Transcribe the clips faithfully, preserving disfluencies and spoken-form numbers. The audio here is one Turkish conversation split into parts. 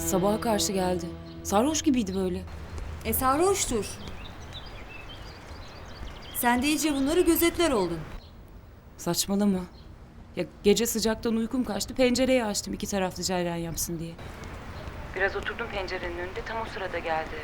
Sabaha karşı geldi. Sarhoş gibiydi böyle. E sarhoştur. Sen de iyice bunları gözetler oldun. Saçmalama. Ya gece sıcaktan uykum kaçtı. Pencereyi açtım iki taraflı cereyan yapsın diye. Biraz oturdum pencerenin önünde. Tam o sırada geldi.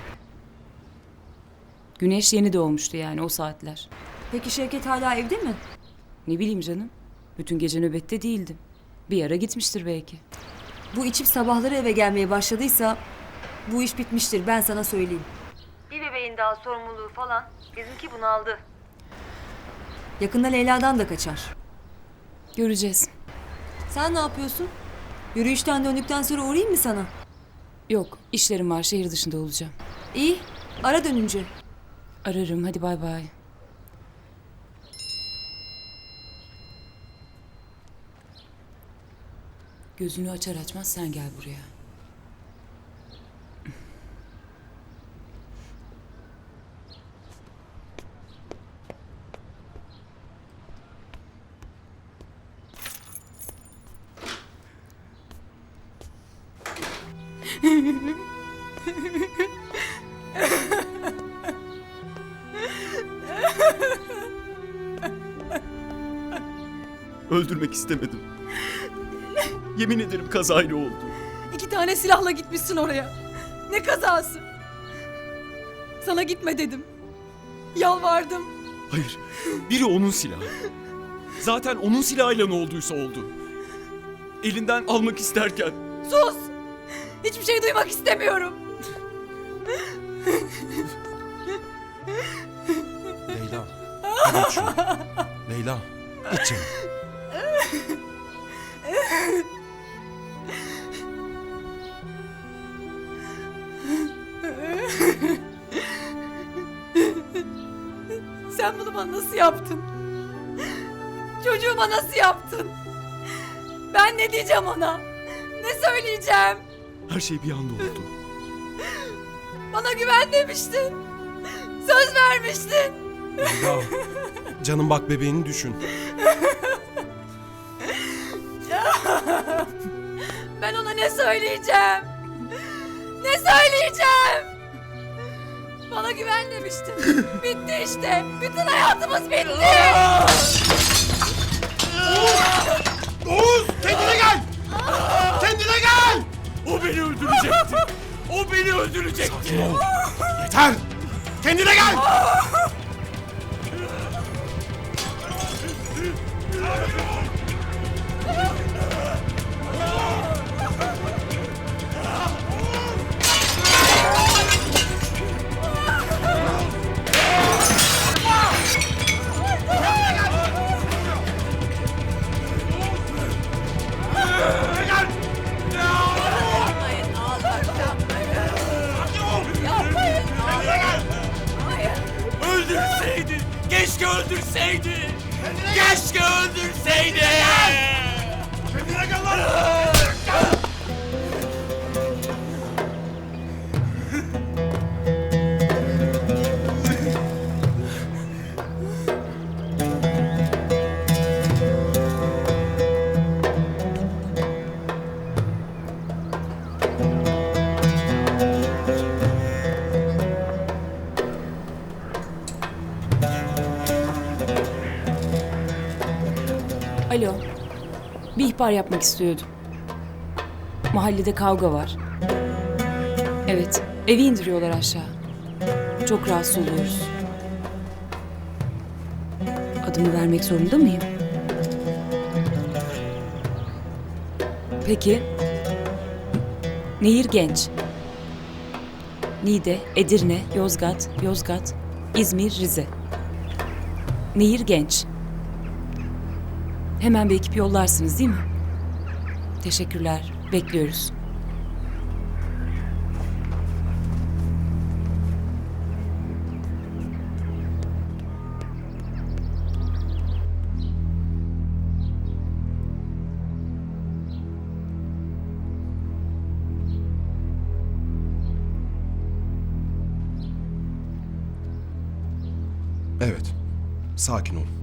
Güneş yeni doğmuştu yani o saatler. Peki Şevket hala evde mi? Ne bileyim canım. Bütün gece nöbette değildim. Bir ara gitmiştir belki. Bu içip sabahları eve gelmeye başladıysa bu iş bitmiştir, ben sana söyleyeyim. Bir bebeğin daha sorumluluğu falan, bizimki bunaldı. Yakında Leyla'dan da kaçar. Göreceğiz. Sen ne yapıyorsun? Yürüyüşten döndükten sonra uğrayayım mı sana? Yok, işlerim var. Şehir dışında olacağım. İyi, ara dönünce. Ararım. Hadi bay bay. Gözünü açar açmaz sen gel buraya. Öldürmek istemedim. Yemin ederim kazayla oldu. İki tane silahla gitmişsin oraya. Ne kazası? Sana gitme dedim. Yalvardım. Hayır, biri onun silahı. Zaten onun silahıyla ne olduysa oldu. Elinden almak isterken... Sus! Hiçbir şey duymak istemiyorum. Leyla. Hadi iç şunu. Leyla. İç canım. Sen bunu bana nasıl yaptın? Çocuğuma nasıl yaptın? Ben ne diyeceğim ona? Ne söyleyeceğim? Her şey bir anda oldu. Bana güven demiştin. Söz vermiştin. Leyla. Canım bak bebeğini düşün. Ben ona ne söyleyeceğim? Ne söyleyeceğim? Bana güven demiştin. Bitti işte. Bütün hayatımız bitti. Oğuz! Kendine gel! Kendine gel! O beni öldürecekti. O beni öldürecekti. Sakin ol. Yeter! Kendine gel! Öldürseydi. Keşke öldürseydi. Keşke öldürseydi. Kendine gel lan! Alo. Bir ihbar yapmak istiyordum. Mahallede kavga var. Evet, evi indiriyorlar aşağı. Çok rahatsız oluyoruz. Adımı vermek zorunda mıyım? Peki. Nehir Genç. Niğde, Edirne, Yozgat, Yozgat, İzmir, Rize. Nehir Genç. Hemen bir ekip yollarsınız değil mi? Teşekkürler. Bekliyoruz. Evet. Sakin ol.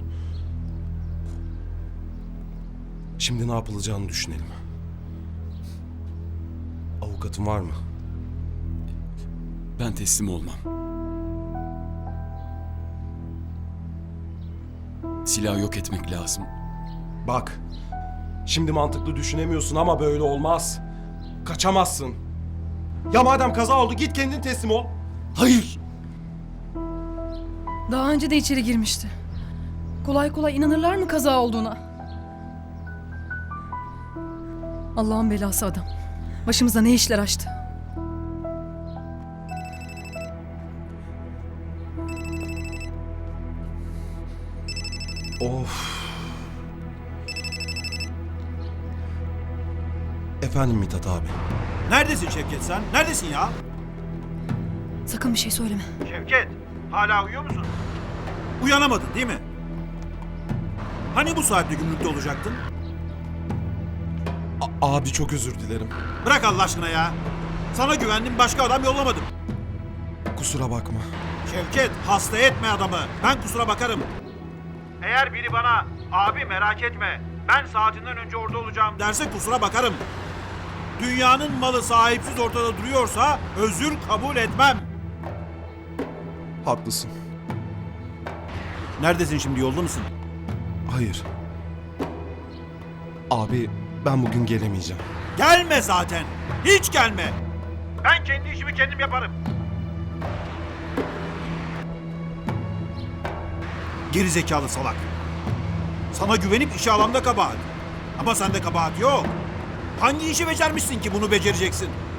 Şimdi ne yapılacağını düşünelim. Avukatın var mı? Ben teslim olmam. Silahı yok etmek lazım. Bak. Şimdi mantıklı düşünemiyorsun ama böyle olmaz. Kaçamazsın. Ya madem kaza oldu git kendin teslim ol. Hayır! Daha önce de içeri girmişti. Kolay kolay inanırlar mı kaza olduğuna? Allah'ın belası adam. Başımıza ne işler açtı. Of. Efendim Mithat abi. Neredesin Şevket sen? Neredesin ya? Sakın bir şey söyleme. Şevket, hala uyuyor musun? Uyanamadın değil mi? Hani bu saatte gümrükte olacaktın? A- abi çok özür dilerim. Bırak Allah aşkına ya. Sana güvendim, başka adam yollamadım. Kusura bakma. Şevket, hasta etme adamı. Ben kusura bakarım. Eğer biri bana, abi merak etme, ben saatinden önce orada olacağım derse kusura bakarım. Dünyanın malı sahipsiz ortada duruyorsa özür kabul etmem. Haklısın. Neredesin şimdi, yolda mısın? Hayır. Abi ben bugün gelemeyeceğim. Gelme zaten. Hiç gelme. Ben kendi işimi kendim yaparım. Geri zekalı salak. Sana güvenip işe alanda kabahat. Ama sende kabahat yok. Hangi işi becermişsin ki bunu becereceksin?